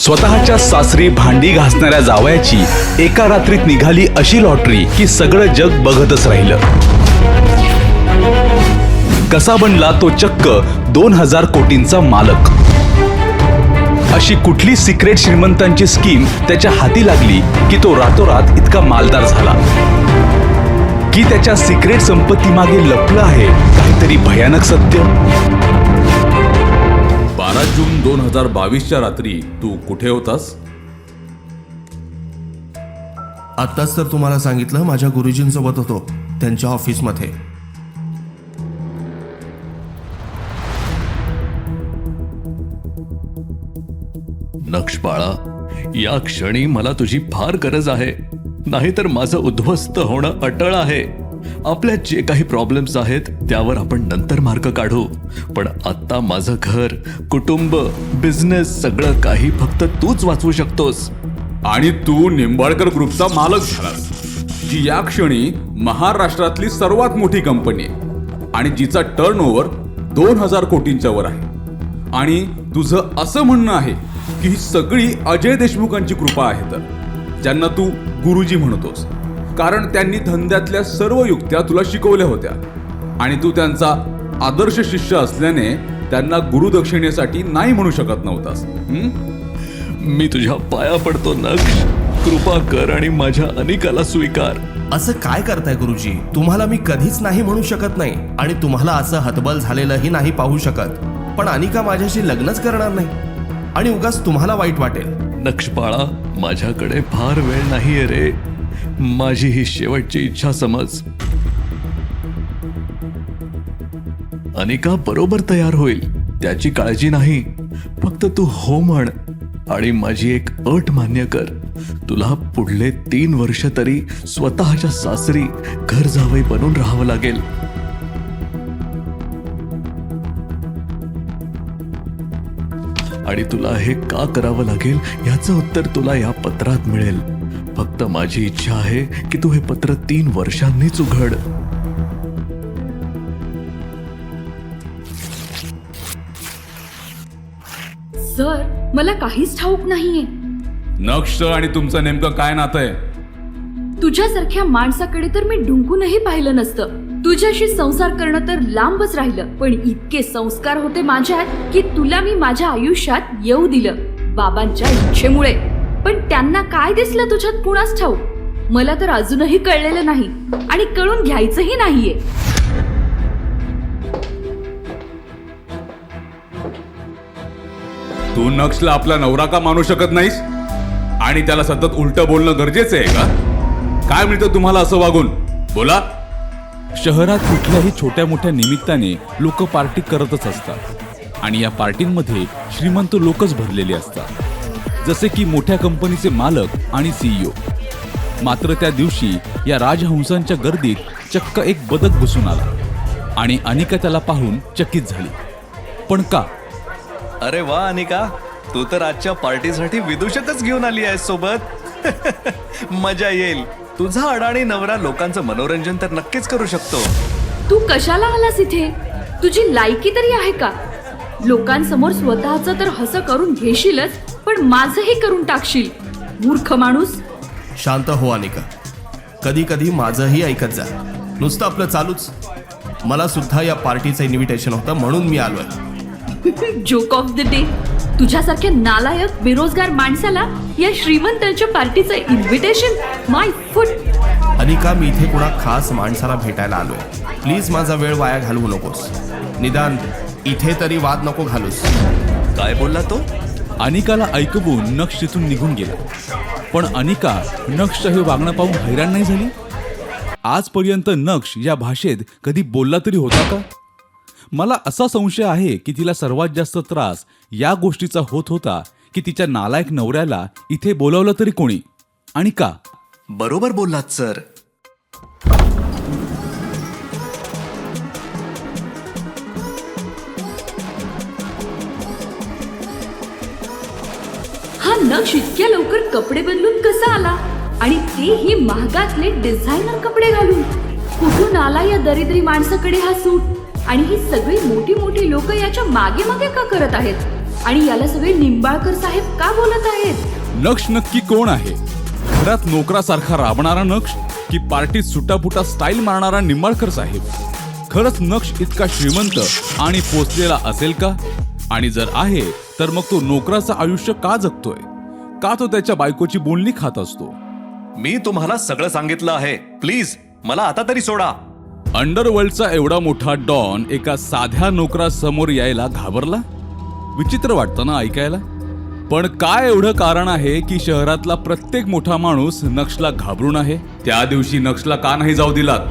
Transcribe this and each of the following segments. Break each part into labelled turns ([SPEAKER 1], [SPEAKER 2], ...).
[SPEAKER 1] स्वतःच्या सासरी भांडी घासणाऱ्या जावयाची एका रात्रीत निघाली अशी लॉटरी की सगळं जग बघतच राहिलं. कसा बनला तो चक्क 2000 कोटींचा मालक. अशी कुठली सिक्रेट श्रीमंतांची स्कीम त्याच्या हाती लागली की तो रातोरात इतका मालदार झाला? की त्याच्या सिक्रेट संपत्ती मागे लपलं आहे काहीतरी भयानक सत्य?
[SPEAKER 2] 12 जून 2022च्या रात्री तू कुठे होतास?
[SPEAKER 3] आत्ताच तर तुम्हाला सांगितलं, माझ्या गुरुजींसोबत होतो त्यांच्या ऑफिसमध्ये.
[SPEAKER 4] नक्ष बाळा, या क्षणी मला तुझी फार गरज आहे, नाहीतर माझं उद्ध्वस्त होणं अटळ आहे. आपल्या जे काही प्रॉब्लेम्स आहेत त्यावर आपण नंतर मार्ग काढू, पण आता माझं घर, कुटुंब, बिझनेस सगळं काही फक्त तूच वाचवू शकतोस.
[SPEAKER 2] आणि तू निंबाळकर ग्रुपचा मालक झालास, जी या क्षणी महाराष्ट्रातली सर्वात मोठी कंपनी आहे आणि जिचा टर्नओव्हर 2000 कोटींच्या वर आहे. आणि तुझं असं म्हणणं आहे की ही सगळी अजय देशमुखांची कृपा आहे, तर ज्यांना तू गुरुजी म्हणतोस, कारण त्यांनी धंद्यातल्या सर्व युक्त्या तुला शिकवल्या होत्या आणि तू त्यांचा आदर्श शिष्य असल्याने त्यांना गुरुदक्षिणेसाठी नाही म्हणू शकत नव्हतास.
[SPEAKER 4] मी तुझ्या पाया पडतो नक्ष, कृपा कर आणि माझ्या अनिकाला स्वीकार.
[SPEAKER 3] असं काय करताय गुरुजी? तुम्हाला मी कधीच नाही म्हणू शकत नाही आणि तुम्हाला असं हतबल झालेलंही नाही पाहू शकत. पण अनिका माझ्याशी लग्नच करणार नाही आणि उगाच तुम्हाला वाईट वाटेल.
[SPEAKER 4] नक्ष बाळा, माझ्याकडे फार वेळ नाहीये रे. माझी ही शेवटची इच्छा समज. अनिका बरोबर तयार होईल, त्याची काळजी नाही. फक्त तू हो म्हण आणि माझी एक अट मान्य कर. तुला पुढले 3 वर्ष तरी स्वतःच्या सासरी घर जावई बनून राहावं लागेल. आणि तुला हे का करावं लागेल याचं उत्तर तुला या पत्रात मिळेल. फक्त माझी इच्छा आहे की तू हे पत्र 3 वर्षांनीच उघड.
[SPEAKER 5] सर, मला काहीच ठाऊक नाहीये.
[SPEAKER 2] नक्ष आणि तुमचं नेमकं काय नातं आहे?
[SPEAKER 5] तुझ्यासारख्या माणसाकडे तर मी ढुंकूनही पाहिलं नसतं. तुझ्याशी संसार करणं तर लांबच राहिलं, पण इतके संस्कार होते माझ्यात की तुला मी माझ्या आयुष्यात येऊ दिलं, बाबांच्या इच्छेमुळे. पण त्यांना काय दिसलं तुझ्यात कुणास ठाऊक. मला तर अजूनही कळलेलं नाही आणि कळून घ्यायचंही नाहीये.
[SPEAKER 2] तू नक्षला आपला नवरा का मानू शकत नाहीस आणि त्याला सतत उलटं बोलणं गरजेचं आहे का? काय मिळतं तुम्हाला असं वागून? बोला.
[SPEAKER 6] शहरात कुठल्याही छोट्या मोठ्या निमित्ताने लोक पार्टी करतच असतात आणि या पार्टींमध्ये श्रीमंत लोकच भरलेले असतात, जसे की मोठ्या कंपनीचे मालक आणि CEO. मात्र त्या दिवशी या राजहंसांच्या गर्दीत चक्क एक बदक घुसून आला आणि अनिका त्याला पाहून चकित झाली. पण का?
[SPEAKER 4] अरे वा अनिका, तू तर आजच्या पार्टीसाठी विदूषकच घेऊन आली आहेस सोबत. मजा येईल. तुझा अडाणी नवरा लोकांचं मनोरंजन तर नक्कीच करू शकतो.
[SPEAKER 5] तू कशाला आलास इथे? तुझी लायकी तरी आहे का? लोकांसमोर स्वतःचं तर हसं करून घेशीलच, पण माझंही करून टाकशील. मूर्ख माणूस.
[SPEAKER 3] शांत हो अनिका, कधी कधी माझंही ऐकत जा. नुसतं आपलं चालूच. मला सुद्धा या पार्टीचं इन्व्हिटेशन होतं म्हणून मी आलोय.
[SPEAKER 5] Joke of the day. तुझ्यासारख्या नालायक बेरोजगार माणसाला या श्रीमंतांच्या पार्टीचं इन्व्हिटेशन? My foot.
[SPEAKER 3] अनिका, मी इथे कुणा खास माणसाला भेटायला आलोय. प्लीज माझा वेळ वाया घालवू नकोस. निदान इथे तरी वाद नको घालूस.
[SPEAKER 4] काय बोलला तो?
[SPEAKER 6] अनिकाला ऐकवून नक्ष तिथून निघून गेला. पण अनिका नक्षचं हे वागणं पाहून हैराण नाही झाली. आजपर्यंत नक्ष या भाषेत कधी बोलला तरी होता का? मला असा संशय आहे की तिला सर्वात जास्त त्रास या गोष्टीचा होत होता की तिच्या नालायक नवऱ्याला इथे बोलावलं तरी कोणी आणि का?
[SPEAKER 4] बरोबर बोललात सर.
[SPEAKER 5] हा नक्ष इतक्या लवकर कपडे बदलून कसा आला? आणि तेही महागातले डिझायनर कपडे घालून. कुठून आला या दरिद्री माणसाकडे हा सूट? आणि ही सगळी मोठी मोठी लोक याच्या मागे मागे का करत आहेत? आणि याला सगळे निंबाळकर साहेब का बोलत आहेत?
[SPEAKER 6] नक्ष नक्की कोण आहे? घरात नोकरासारखा राबणारा नक्ष की पार्टीत सुटापुटा स्टाईल मारणारा निंबाळकर साहेब? खरंच नक्ष इतका श्रीमंत आणि पोचलेला असेल का? आणि जर आहे तर मग तो नोकराचं आयुष्य का जगतोय? का तो त्याच्या बायकोची बोलणी खात असतो?
[SPEAKER 4] मी तुम्हाला सगळं सांगितलं आहे, प्लीज मला आता तरी सोडा.
[SPEAKER 6] अंडरवर्ल्डचा एवढा मोठा डॉन एका साध्या नोकरासमोर यायला घाबरला? विचित्र वाटतं ना ऐकायला. पण काय एवढं कारण आहे की शहरातला प्रत्येक मोठा माणूस नक्षला घाबरून आहे?
[SPEAKER 2] त्या दिवशी नक्षला का नाही जाऊ दिलात?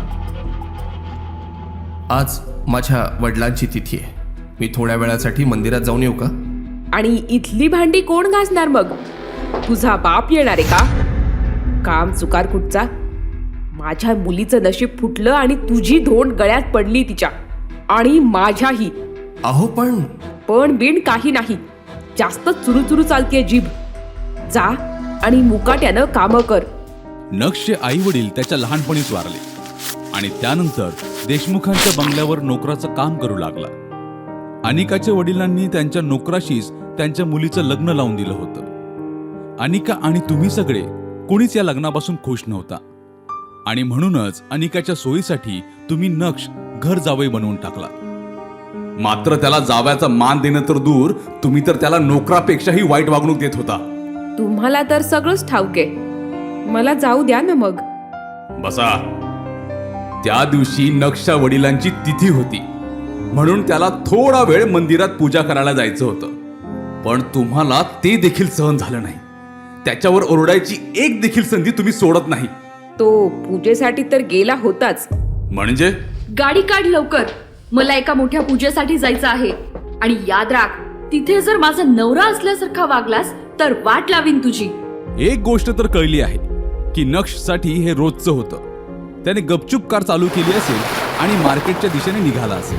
[SPEAKER 3] आज माझ्या वडिलांची तिथी आहे. मी थोड्या वेळासाठी मंदिरात जाऊन येऊ का?
[SPEAKER 7] आणि इथली भांडी कोण घासणार मग? तुझा बाप येणार आहे का? काम चुकार कुठचा? माझ्या मुलीचं नशीब फुटलं आणि तुझी धोंड गळ्यात पडली तिच्या, आणि माझ्याही.
[SPEAKER 3] अहो
[SPEAKER 7] पण बिन काही नाही, जास्त चुरू चालतेय जीभ. जा आणि मुकाट्यानं कामं कर.
[SPEAKER 6] नक्षचे आई वडील त्याच्या लहानपणीच वारले आणि त्यानंतर देशमुखांच्या बंगल्यावर नोकराचं काम करू लागला. अनिकाच्या वडिलांनी त्यांच्या नोकराशीच त्यांच्या मुलीचं लग्न लावून दिलं होतं. अनिका आणि तुम्ही सगळे कोणीच या लग्नापासून खुश नव्हता आणि म्हणूनच अनिकाच्या सोयीसाठी तुम्ही नक्ष घर जावई बनवून टाकला.
[SPEAKER 2] मात्र त्याला जावयाचा मान देणं तर दूर, तुम्ही तर त्याला नोकरापेक्षाही वाईट वागणूक देत होता.
[SPEAKER 7] तुम्हाला तर सगळंच ठाऊक आहे, मला जाऊ द्या ना मग.
[SPEAKER 2] बसा. त्या दिवशी नक्षच्या वडिलांची तिथी होती म्हणून त्याला थोडा वेळ मंदिरात पूजा करायला जायचं होतं, पण तुम्हाला ते देखील सहन झालं नाही. त्याच्यावर ओरडायची एक देखील संधी तुम्ही सोडत नाही.
[SPEAKER 7] तो पूजेसाठी तर गेला होताच.
[SPEAKER 2] म्हणजे
[SPEAKER 5] गाडी काढ लवकर, मला एका मोठ्या पूजेसाठी जायचं आहे. आणि याद राख, तिथे जर माझा नवरा असल्यासारखा वागलास तर वाट लावीन तुझी.
[SPEAKER 6] एक गोष्ट तर कळली आहे की नक्षसाठी हे रोजचं होतं. त्याने गपचूप कार चालू केली असेल आणि मार्केटच्या दिशेने निघाला असेल.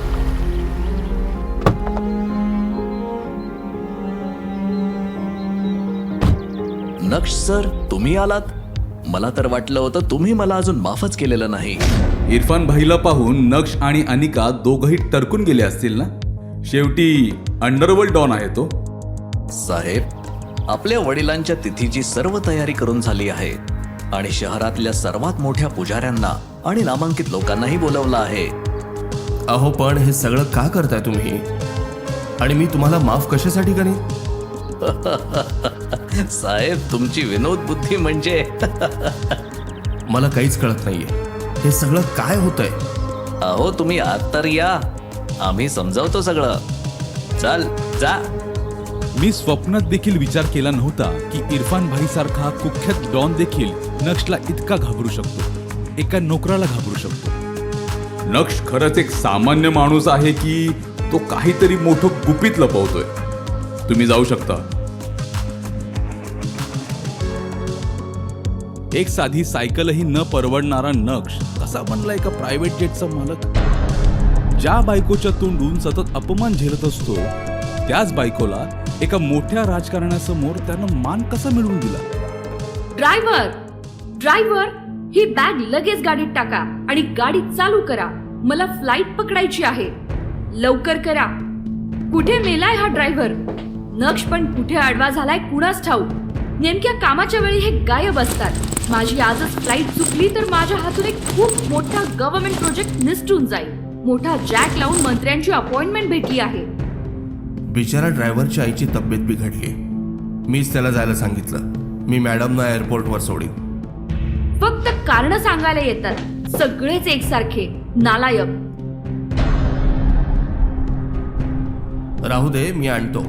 [SPEAKER 4] नक्ष सर, तुम्ही आलात? मला तर वाटलं होतं तुम्ही मला अजून माफच केलेलं नाही.
[SPEAKER 2] इरफान भाईला पाहून नक्ष आणि अनिका दोघही टरकून गेले असतील ना. शेवटी अंडरवर्ल्ड डॉन आहे तो.
[SPEAKER 4] साहेब, आपल्या वडिलांच्या तिथीची सर्व तयारी करून झाली आहे आणि शहरातल्या सर्वात मोठ्या पुजाऱ्यांना आणि नामांकित लोकांनाही बोलवलं आहे.
[SPEAKER 3] अहो पण हे सगळं का करताय तुम्ही? आणि मी तुम्हाला माफ कशासाठी करेन?
[SPEAKER 4] साहेब, तुमची विनोद बुद्धी म्हणजे
[SPEAKER 3] मला काहीच कळत नाहीये, हे सगळं काय होतंय?
[SPEAKER 4] अहो तुम्ही आत तर या, आम्ही समजावतो सगळं. चल जा.
[SPEAKER 6] मी स्वप्नात देखील विचार केला नव्हता की इरफान भाई सारखा कुख्यात डॉन देखील नक्षला इतका घाबरू शकतो, एका नोकराला घाबरू शकतो.
[SPEAKER 2] नक्ष खरंच एक सामान्य माणूस आहे की तो काहीतरी मोठं गुपित लपवतोय? तुम्ही जाऊ शकता.
[SPEAKER 6] एक साधी सायकलही न परवडणारा नक्ष कसा बनला एका प्रायव्हेट जेटचा मालक? ज्या बायकोच्या तोंडून सतत अपमान झेलत असतो त्याच बायकोला एका मोठ्या राजकारण्यासमोर त्यानं मान कसा मिळवून दिला?
[SPEAKER 5] ड्रायव्हर, ही बॅग लगेच गाडीत टाका आणि गाडी चालू करा. मला फ्लाईट पकडायची आहे, लवकर करा. कुठे मेलाय हा ड्रायव्हर? नक्ष पण कुठे आडवा झालाय कुणास ठाऊक. नेमक्या कामाच्या वेळी हे गायब असतात. माझी आजच फ्लाईट चुकली तर माझ्या हातून एक खूप मोठा गव्हर्नमेंट प्रोजेक्ट निसटून जाईल. मोठा जॅक लावून मंत्र्यांची अपॉइंटमेंट भेटली आहे.
[SPEAKER 3] बिचारा ड्रायव्हरच्या आईची तब्येत बिघडली. मीच त्याला जायला सांगितलं. मी मॅडमना एअरपोर्टवर सोडीन.
[SPEAKER 5] फक्त कारण सांगायला येतात, सगळेच एकसारखे नालायक.
[SPEAKER 3] राहू दे, मी आणतो.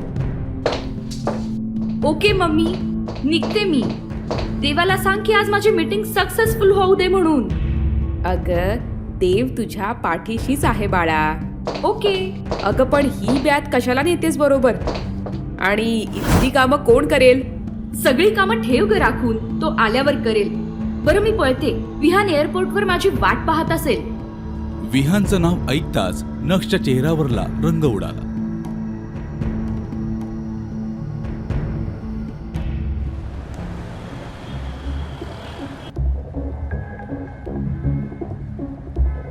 [SPEAKER 5] ओके मम्मी, निघते मी. देवाला सांग की आज माझी मीटिंग सक्सेसफुल होऊ दे म्हणून.
[SPEAKER 7] अगं, देव तुझ्या पाठीशीच आहे बाळा.
[SPEAKER 5] ओके.
[SPEAKER 7] अगं पण ही बॅग कशाला नेतेस बरोबर? आणि इथली कामं कोण करेल?
[SPEAKER 5] सगळी कामं ठेव ग राखून, तो आल्यावर करेल. बरं मी पळते. विहान एअरपोर्टवर माझी वाट पाहत असेल.
[SPEAKER 6] विहानचं नाव ऐकताच नक्षच्या चेहऱ्यावरला रंग उडाला.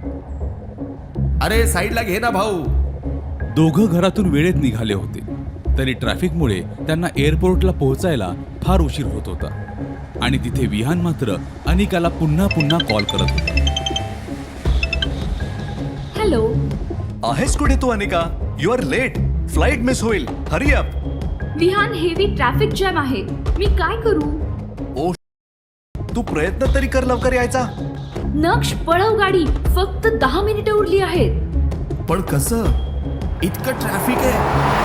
[SPEAKER 3] अरे साईडला घे ना भाऊ.
[SPEAKER 6] दोघं घरातून वेळेत निघाले होते. तरी ट्रॅफिकमुळे त्यांना एअरपोर्टला पोहोचायला फार उशीर होत होता आणि तिथे विहान मात्र अनिकाला पुन्हा पुन्हा कॉल करत होता.
[SPEAKER 5] हॅलो.
[SPEAKER 4] आहेस कुठे तू Anika? You are late. Flight miss होईल. Hurry up.
[SPEAKER 5] Vihaan, heavy traffic jam आहे. मी काय करू?
[SPEAKER 4] ओ, तू प्रयत्न तरी कर लवकर यायचा.
[SPEAKER 5] नक्ष, पळव गाडी. फक्त 10 मिनिटं उरली आहेत.
[SPEAKER 3] पण कसं? इतकं ट्रॅफिक आहे.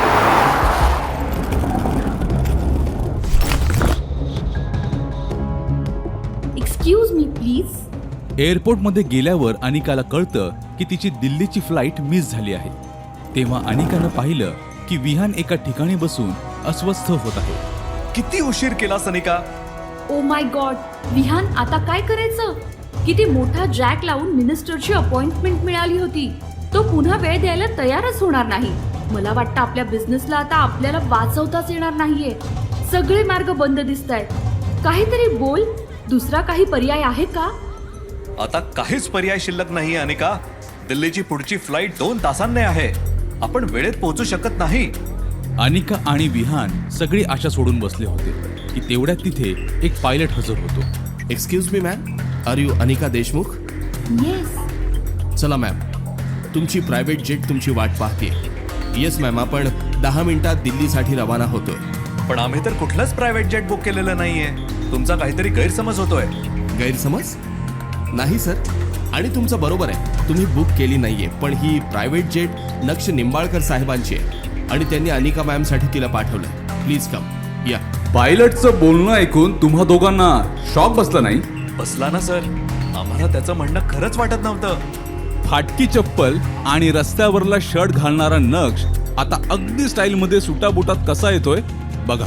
[SPEAKER 5] Excuse me please.
[SPEAKER 6] एअरपोर्टमध्ये गेल्यावर अनिकाला कळतं की तिची दिल्लीची फ्लाईट मिस झाली आहे. तेव्हा अनिकानं पाहिलं की विहान एका ठिकाणी बसून अस्वस्थ होत आहे.
[SPEAKER 4] किती उशीर केलास Anika?
[SPEAKER 5] Oh my God. Vihaan, आता काय करायचं? किती मोठा जॅक लावून मिनिस्टरची अपॉइंटमेंट मिळाली होती. तो पुन्हा वेळ द्यायला तयारच होणार नाही. मला वाटतं आपल्या बिझनेसला आता आपल्याला वाचवताच येणार नाहीये. सगळे मार्ग बंद दिसतायत. काहीतरी बोल. दुसरा काही पर्याय आहे का?
[SPEAKER 4] आता काहीच पर्याय शिल्लक नाही अनिका. दिल्लीची पुढची फ्लाईट 2 तासांनी आहे. आपण वेळेत पोहोचू शकत नाही.
[SPEAKER 6] अनिका आणि विहान सगळी आशा सोडून बसले होते की तेवढ्यात तिथे एक पायलट हजर होतो.
[SPEAKER 3] Excuse me ma'am, are you Anika Deshmukh?
[SPEAKER 5] Yes.
[SPEAKER 3] चला मॅम, तुमची प्रायव्हेट जेट तुमची वाट पाहते. येस मॅम, आपण 10 मिनिटात दिल्लीसाठी रवाना होतोय.
[SPEAKER 4] पण आम्ही तर कुठलंच प्रायव्हेट जेट बुक केलेलं नाहीये. तुमचा काहीतरी गैरसमज होतोय.
[SPEAKER 3] गैरसमज? नाही सर, आणि तुमचं बरोबर आहे, तुम्ही बुक केली नाहीये. पण ही प्रायव्हेट जेट नक्ष निंबाळकर साहेबांची आहे आणि त्यांनी अनिका मॅमसाठी तिला पाठवलंय. Please come. या.
[SPEAKER 2] पायलटचं बोलणं ऐकून तुम्हा दोघांना शॉक बसला नाही?
[SPEAKER 4] बसला ना सर. आम्हाला त्याचं म्हणणं खरंच वाटत नव्हतं.
[SPEAKER 6] फाटकी चप्पल आणि रस्त्यावरला शर्ट घालणारा नक्ष आता अगदी स्टाईलमध्ये सुटाबुटात कसा येतोय बघा.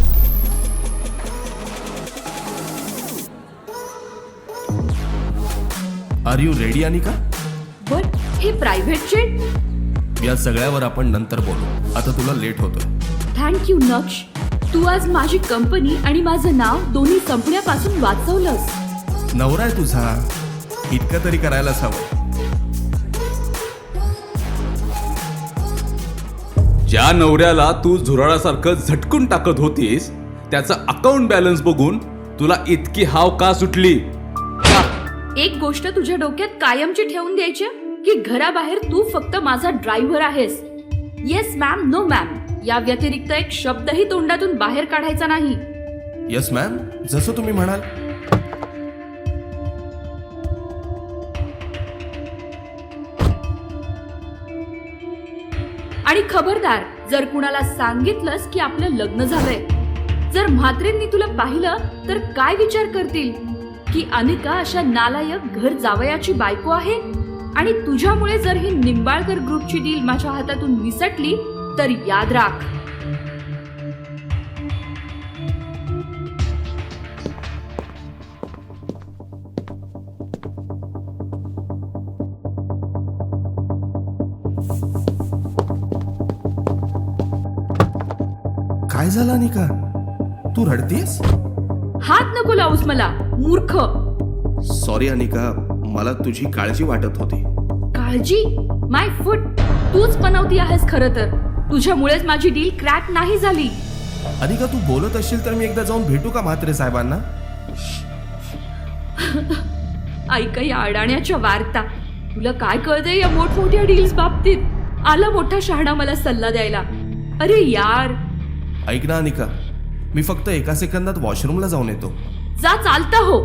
[SPEAKER 3] Are you ready Anika?
[SPEAKER 5] But हे प्रायव्हेट जेट?
[SPEAKER 3] या सगळ्यावर आपण नंतर बोलू. आता तुला लेट होतोय.
[SPEAKER 5] Thank you नक्ष. तू आज माझी कंपनी आणि माझं नाव दोन्ही संपण्यापासून वाचवलंस.
[SPEAKER 3] नवरा आहे तुझा, इतकं तरी करायलाच हवं.
[SPEAKER 2] ज्या नवऱ्याला तू झुरळासारखं झटकून टाकत होतीस त्याचा अकाउंट बॅलन्स बघून तुला इतकी हाव का सुटली?
[SPEAKER 5] एक गोष्ट तुझ्या डोक्यात कायमची ठेवून द्यायची की घराबाहेर तू फक्त माझा ड्रायव्हर आहेस. येस मॅम, नो मॅम, या व्यतिरिक्त एक शब्दही तोंडातून बाहेर काढायचा नाही.
[SPEAKER 3] येस मॅम, जसं तुम्ही म्हणाल.
[SPEAKER 5] आणि खबरदार, जर कुणाला सांगितलंस की आपलं लग्न झालंय, जर म्हात्रेंनी तुला पाहिलं तर काय विचार करतील की अनिका अशा नालायक घर जावयाची बायको आहे. आणि तुझ्यामुळे जर ही निंबाळकर ग्रुपची डील माझ्या हातातून निसटली तर याद राख.
[SPEAKER 3] काय झालं अनिका? तू रडतेस?
[SPEAKER 5] हात नको लावूस मला, मूर्ख.
[SPEAKER 3] सॉरी अनिका, मला तुझी काळजी वाटत होती.
[SPEAKER 5] काळजी? माय फूट. तूच बनवती आहेस खरं तर. तुझ्यामुळेच माझी डील क्रॅक नाही झाली.
[SPEAKER 3] अनिका, तू बोलत असशील तर मी एकदा जाऊन भेटू का म्हात्रे साहेबांना?
[SPEAKER 5] ऐका या अडाण्याच्या वार्ता. तुला काय कळतंय या मोठमोठ्या डील्स बाबतीत? आला मोठा शहाणा मला सल्ला द्यायला. अरे यार.
[SPEAKER 3] ऐक ना अनिका, मी फक्त एका सेकंदात वॉशरूमला जाऊन येतो.
[SPEAKER 5] जा, चालता हो.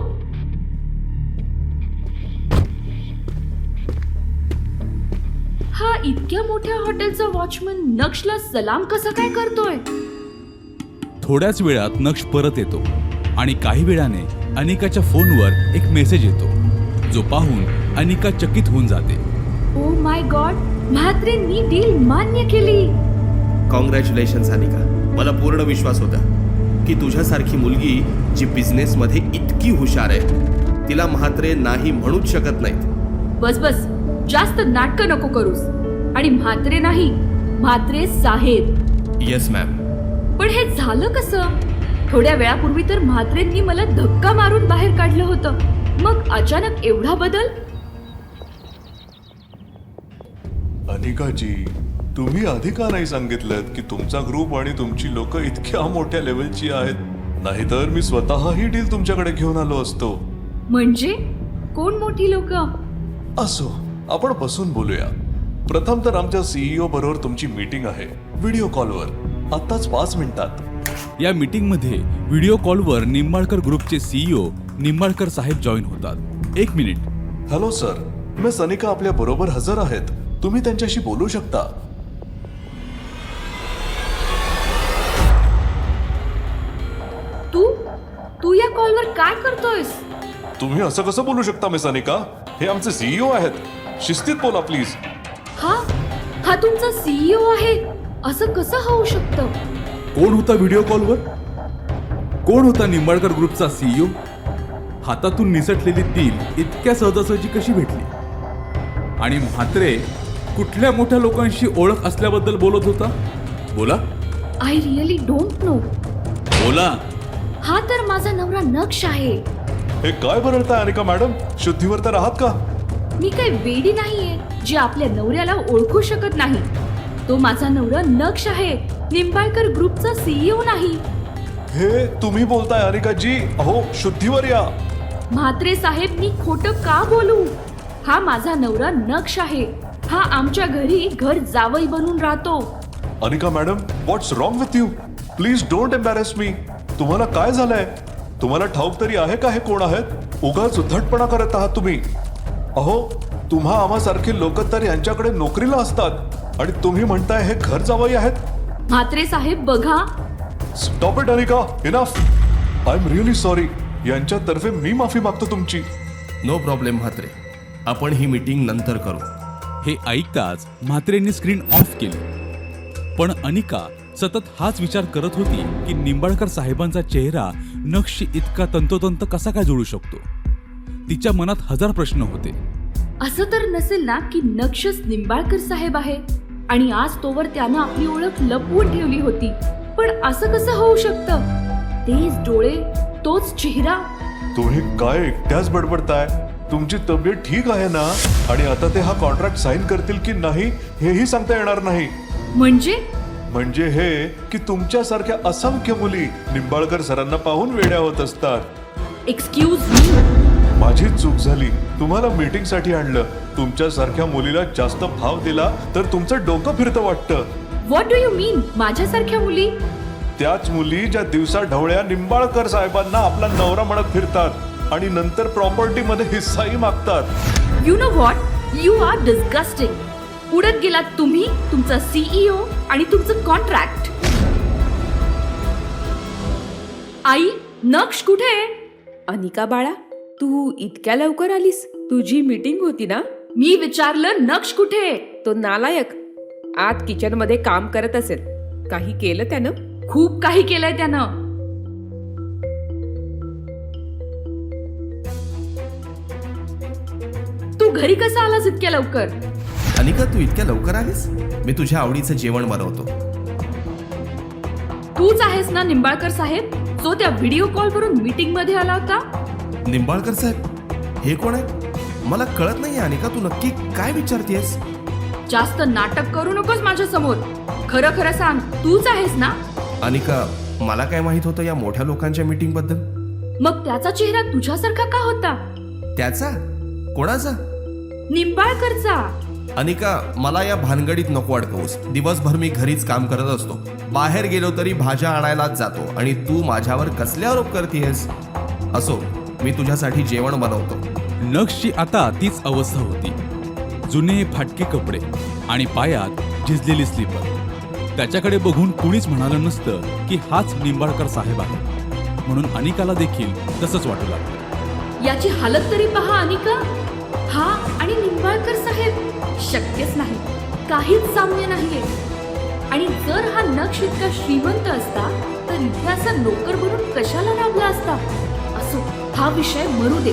[SPEAKER 5] हा इतक्या मोठ्या हॉटेलचा वॉचमन नक्षला सलाम कसा काय करतोय?
[SPEAKER 6] थोड्याच वेळात नक्ष परत येतो आणि काही वेळाने अनिकाच्या फोनवर एक मेसेज येतो जो पाहून अनिका चकित होऊन जाते.
[SPEAKER 5] ओ माय गॉड, म्हात्रेंनी डील मान्य केली.
[SPEAKER 3] कॉंग्रॅच्युलेशन्स अनिका. मला पूर्ण विश्वास होता की तुझ्यासारखी मुलगी जी बिझनेसमध्ये इतकी हुशार आहे तिला म्हात्रे नाही म्हणूच शकत नाहीत.
[SPEAKER 5] बस बस, जास्त नाटकं नको करूस. आणि म्हात्रे नाही, म्हात्रे साहेब.
[SPEAKER 3] Yes ma'am.
[SPEAKER 5] पण हे झालं कसं? थोड्या वेळापूर्वी तर म्हात्रेंनी मला धक्का मारून बाहेर काढलं होतं. मग अचानक एवढा बदल?
[SPEAKER 4] अनिकाजी,
[SPEAKER 8] तुम्ही आधी का नाही सांगितलं की तुमचा ग्रुप आणि तुमची लोक इतक्या मोठ्या लेवलची आहेत? नाहीतर मी स्वतः ही डील तुमच्याकडे घेऊन आलो असतो.
[SPEAKER 5] म्हणजे कोण मोठी लोक?
[SPEAKER 8] असो, आपण बसून बोलूया. प्रथम तर आमच्या सीईओ बरोबर तुमची मीटिंग आहे व्हिडिओ कॉलवर, आत्ताच 5 मिनिटात.
[SPEAKER 6] या मीटिंगमध्ये व्हिडिओ कॉलवर निंबाळकर ग्रुपचे सीईओ निंबाळकर साहेब जॉईन होतात. 1 minute.
[SPEAKER 8] Hello sir, miss Anika आपल्या बरोबर हजर आहेत. तुम्ही त्यांच्याशी बोलू शकता.
[SPEAKER 5] तू या कॉलवर काय करतोयस?
[SPEAKER 8] तुम्ही असं कसं बोलू शकता मिस अनिका? हे आमचे सीईओ आहेत. शिस्तीत बोला प्लीज.
[SPEAKER 5] हा तुमचा सीईओ आहे? असं कसं होऊ शकतं?
[SPEAKER 6] कोण होता व्हिडिओ कॉलवर? कोण होता निंबाळकर ग्रुपचा सीईओ? हातातून निसटलेली डील इतक्या सहजासहजी कशी भेटली? आणि म्हात्रे कुठल्या मोठ्या लोकांशी ओळख असल्याबद्दल बोलत होता? बोला
[SPEAKER 5] आय रिअली डोंट नो.
[SPEAKER 6] बोला.
[SPEAKER 5] हा तर माझा नवरा नक्ष आहे.
[SPEAKER 8] हे काय बरळताय अनिका मॅडम? शुद्धीवर तर आहात का?
[SPEAKER 5] मी काही वेडी नाहीये जी आपल्या नवऱ्याला ओळखू शकत नाही. तो माझा नवरा नक्ष आहे, निंबाळकर ग्रुपचा सीईओ नाही.
[SPEAKER 8] हे तुम्ही बोलताय अनिकाजी? अहो, शुद्धीवर या.
[SPEAKER 5] म्हात्रे साहेब, मी खोटं का बोलू? हा माझा नवरा नक्ष आहे. हा आमच्या घरी घर जावई बनून राहतो.
[SPEAKER 8] Anika madam, what's wrong with you? Please don't embarrass me. तुम्हाला काय झालंय? तुम्हाला ठाऊक तरी आहे का हे कोण आहेत? उगाच उद्धटपणा करत आहात तुम्ही. अहो, तुम्हा आम्हासारखे लोक तर यांच्याकडे नोकरीला असतात आणि तुम्ही म्हणताय हे घर जावई आहेत?
[SPEAKER 5] म्हात्रे साहेब बघा.
[SPEAKER 8] Stop it Anika, enough. I am really sorry. यांच्यातर्फे मी माफी मागतो तुमची.
[SPEAKER 3] नो प्रॉब्लेम म्हात्रे, आपण ही मीटिंग नंतर करू.
[SPEAKER 6] हे ऐकताच म्हात्रेंनी स्क्रीन ऑफ केली. पण अनिका सतत हाच विचार करत होती की निंबाळकर साहेबांचा चेहरा नक्षी इतका तंतोतंत कसा काय जोडू शकतो. तिच्या मनात 1000 प्रश्न होते.
[SPEAKER 5] असं तर नसेल ना की नक्षच निंबाळकर साहेब आहे आणि आज तोवर त्यानं आपली ओळख लपवून ठेवली होती. पण असं कसं होऊ शकतं? तेच डोळे, तोच चेहरा.
[SPEAKER 8] तुम्ही काय एकट्याच बडबडताय? तुमची तब्येत ठीक आहे ना? आणि आता ते हा कॉन्ट्रॅक्ट साईन करतील की नाही हेही सांगता येणार नाही. म्हणजे हे की तुमच्यासारख्या असंख्य मुली निंबाळकर सरांना पाहून वेड्या होत असतात.
[SPEAKER 5] Excuse me.
[SPEAKER 8] माझी चूक झाली. तुम्हाला मीटिंग साठी आणलं. तुमच्यासारख्या मुलीला जास्त भाव दिला तर तुमचं डोकं फिरतं वाटतं.
[SPEAKER 5] What do you mean? माझ्यासारख्या मुली?
[SPEAKER 8] त्याच मुली ज्या दिवसा ढवळ्या निंबाळकर साहेबांना आपला नवरा म्हणत फिरतात आणि नंतर प्रॉपर्टी मध्ये हिस्साही मागतात.
[SPEAKER 5] You know what? You are disgusting. उडत गेलात तुम्ही, तुमचा सीईओ आणि तुमचं कॉन्ट्रॅक्ट. आई, नक्ष कुठे?
[SPEAKER 7] अनिका बाळा, तू इतक्या लवकर आलीस? तुझी मीटिंग होती ना?
[SPEAKER 5] मी विचारलं नक्ष कुठे?
[SPEAKER 7] तो नालायक आत किचन मध्ये काम करत असेल. काही केलं त्यानं?
[SPEAKER 5] खूप काही केलंय त्यानं. तू घरी कसा आलास इतक्या लवकर?
[SPEAKER 3] अनिका, तू इतक्या लवकर आलीस? मी तुझ्या आवडीचं जेवण बनवतो.
[SPEAKER 5] तूच आहेस ना निंबाळकर साहेब, जो त्या व्हिडिओ कॉलवरून मीटिंग मध्ये आला होता?
[SPEAKER 3] निंबाळकर साहेब, हे कोण आहे? मला कळत नाही अनिका, तू नक्की काय विचारतेस?
[SPEAKER 5] जास्त नाटक करू नकोस माझ्या समोर. खरं खरं सांग, तूच आहेस ना?
[SPEAKER 3] अनिका, मला काय माहित होतं या मोठ्या लोकांच्या मीटिंग बद्दल?
[SPEAKER 5] मग त्याचा चेहरा तुझ्यासारखा का होता?
[SPEAKER 3] त्याचा? कोणाचा?
[SPEAKER 5] निंबाळकरचा.
[SPEAKER 3] अनिका, मला या भानगडीत नको अडकवूस. दिवसभर मी घरीच काम करत असतो. बाहेर गेलो तरी भाज्या आणायलाच जातो आणि तू माझ्यावर कसले आरोप करतेस? असो, मी तुझ्यासाठी जेवण बनवतो.
[SPEAKER 6] नक्षची आता तीच अवस्था होती. जुने फाटके कपडे आणि पायात झिजलेली स्लीपर. त्याच्याकडे बघून कुणीच म्हणालं नसतं की हाच निंबाळकर साहेब आहे. म्हणून अनिकाला देखील तसंच वाटू लागलं.
[SPEAKER 5] याची हालत तरी पहा अनिका. हा आणि निंबाळकर साहेब शक्यच नाही. काहीच साम्य नाहीये. आणि जर हा नक्ष इतका श्रीमंत असता तर इथे असा नोकर बनून कशाला राबला असता? असो, हा विषय मरू दे.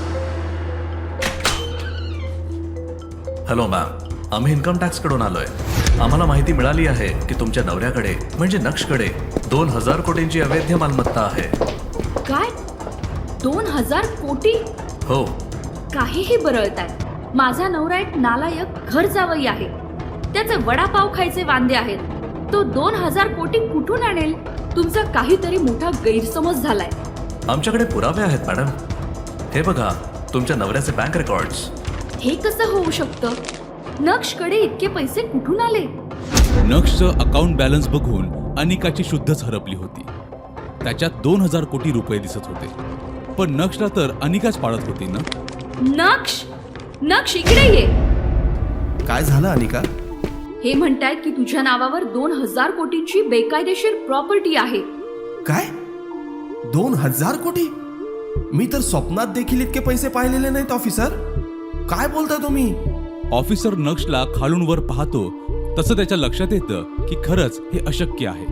[SPEAKER 4] हॅलो मॅम, आम्ही इन्कम टॅक्स कडून आलोय. आम्हाला माहिती मिळाली आहे की तुमच्या नवऱ्याकडे म्हणजे नक्षकडे 2000 कोटींची अवैध मालमत्ता आहे.
[SPEAKER 5] काय? 2000 कोटी?
[SPEAKER 4] हो.
[SPEAKER 5] काहीही बरळताय. माझा नवरा एक नालायक घर जावई आहे. त्याचे वडापाव खायचे वांदे आहेत. तो 2,000 कोटी कुठून आणेल? तुमचा काहीतरी मोठा गैरसमज झालाय.
[SPEAKER 4] आमच्याकडे पुरावे आहेत मॅडम. हे बघा, तुमच्या नवऱ्याचे बँक रेकॉर्ड्स.
[SPEAKER 5] हे कसं होऊ शकतं? नक्षकडे इतके पैसे कुठून आले?
[SPEAKER 6] नक्षचं अकाउंट बॅलन्स बघून अनिकाची शुद्धच हरपली होती. त्याच्यात 2,000 कोटी रुपये दिसत होते. पण नक्षला तर अनिकाच पाळत होती ना.
[SPEAKER 5] नक्ष इकडे ये.
[SPEAKER 3] काय झालं अनिका?
[SPEAKER 5] हे म्हणतायत की तुझ्या नावावर 2,000 कोटींची बेकायदेशीर प्रॉपर्टी आहे.
[SPEAKER 3] काय? 2,000 कोटी? मी तर स्वप्नात देखील इतके पैसे पाहिलेले नाहीत ऑफिसर. काय बोलताय तुम्ही?
[SPEAKER 6] ऑफिसर नक्षला खालून वर पाहतो तसं त्याच्या लक्षात येतं की खरंच हे अशक्य आहे.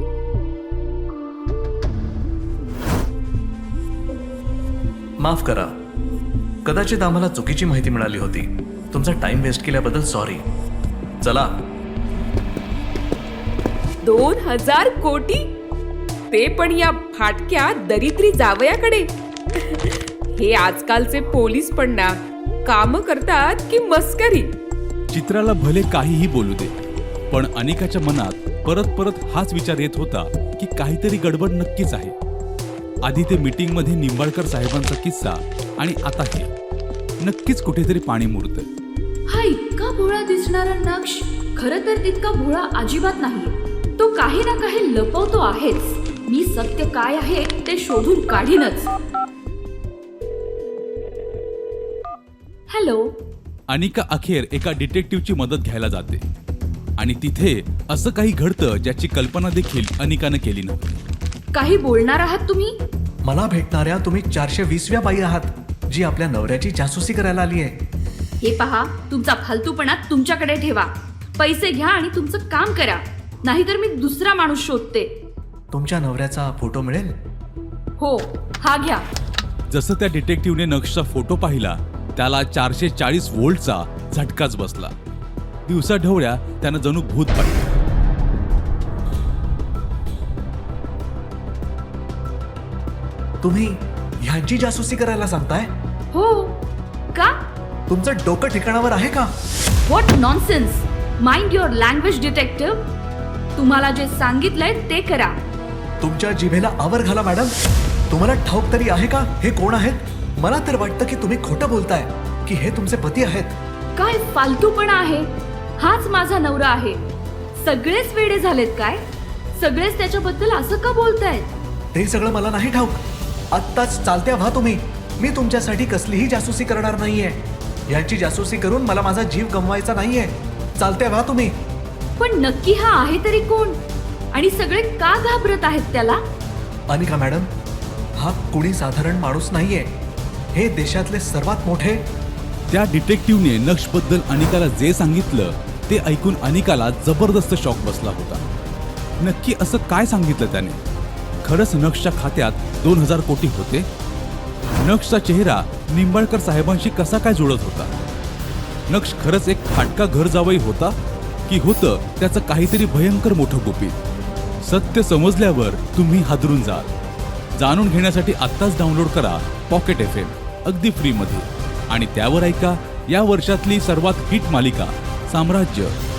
[SPEAKER 4] माफ करा, कदाचित आम्हाला चुकीची माहिती मिळाली होती. तुमचा टाइम वेस्ट केल्याबद्दल सॉरी. चला.
[SPEAKER 7] 2,000 कोटी? ते पण या फाटक्या दरिद्री जावयाकडे. हे आजकालचे पोलीस पण ना काम करतात की मस्करी.
[SPEAKER 6] चित्राला भले काहीही बोलू दे, पण अनिकाच्या मनात परत परत हाच विचार येत होता की काहीतरी गडबड नक्कीच आहे. आधी ते मीटिंगमध्ये निंबाळकर साहेबांचा किस्सा आणि आता हे. नक्कीच कुठेतरी पाणी मुरतंय.
[SPEAKER 5] हा इतका भोळा दिसणारा नक्ष खरं तर तितका भोळा अजिबात नाही. तो काही ना काही लपवतो आहेच. मी सत्य काय आहे ते शोधून काढीनच. हॅलो.
[SPEAKER 6] अनिका अखेर एका डिटेक्टिव्हची मदत घ्यायला जाते आणि तिथे असं काही घडतं ज्याची कल्पना देखील अनिकानं केली नव्हती.
[SPEAKER 5] काही बोलणार आहात तुम्ही?
[SPEAKER 4] मला भेटणाऱ्या तुम्ही 420व्या बाई आहात, जी आपल्या नवऱ्याची जासूसी करायला आली आहे.
[SPEAKER 5] हे पहा, तुमचा फालतूपणा तुमच्याकडे ठेवा. पैसे घ्या आणि तुमचं काम करा, नाहीतर मी दुसरा माणूस शोधते.
[SPEAKER 4] तुमच्या नवऱ्याचा फोटो मिळेल?
[SPEAKER 5] हो, हा घ्या.
[SPEAKER 6] जसं त्या डिटेक्टिव्हने नक्षचा फोटो पाहिला त्याला 440 व्होल्टचा झटकाच बसला. दिवसा ढवळ्या त्यानं जणू भूत पाहिलं.
[SPEAKER 4] तुम्ही ह्यांची जासूसी करायला सांगताय?
[SPEAKER 5] हो. का?
[SPEAKER 4] तुमचं डोकं ठिकाणावर आहे का?
[SPEAKER 5] What nonsense. Mind your language detective. तुम्हाला जे सांगितलंय ते करा.
[SPEAKER 4] तुमच्या जिभेला आवर घाला मॅडम. तुम्हाला ठाऊक तरी आहे का हे कोण आहेत? मला तर वाटतं की तुम्ही खोटं बोलताय की हे तुमचे पती आहेत.
[SPEAKER 5] काय फालतूपणा आहे? हाच माझा नवरा आहे. सगळेच वेडे झालेत काय? सगळेच त्याच्याबद्दल असं का बोलतायत?
[SPEAKER 4] ते सगळं मला नाही ठाऊक. आत्ताच चालत्या व्हा तुम्ही. मी तुमच्यासाठी कसलीही जासूसी करणार नाहीये. याची जासूसी करून मला माझा जीव गमवायचा नाहीये. चालत्या व्हा तुम्ही.
[SPEAKER 5] पण नक्की हा आहे तरी कोण? आणि सगळे का घाबरत आहेत त्याला?
[SPEAKER 4] अनिका मॅडम, हा कुणी साधारण माणूस नाहीये. हे देशातले सर्वात मोठे.
[SPEAKER 6] त्या डिटेक्टिव्हने नक्षबद्दल अनिकाला जे सांगितलं ते ऐकून अनिकाला जबरदस्त शॉक बसला होता. नक्की असं काय सांगितलं त्याने? खरंच नक्षच्या खात्यात 2,000 कोटी होते? नक्षचा चेहरा निंबाळकर साहेबांशी कसा काय जुळत होता? नक्ष खरंच एक फाटका घर जावई होता की होतं त्याचं काहीतरी भयंकर मोठं गुपित? सत्य समजल्यावर तुम्ही हादरून जाल. जाणून घेण्यासाठी आत्ताच डाउनलोड करा पॉकेट FM अगदी फ्रीमध्ये आणि त्यावर ऐका या वर्षातली सर्वात हिट मालिका साम्राज्य.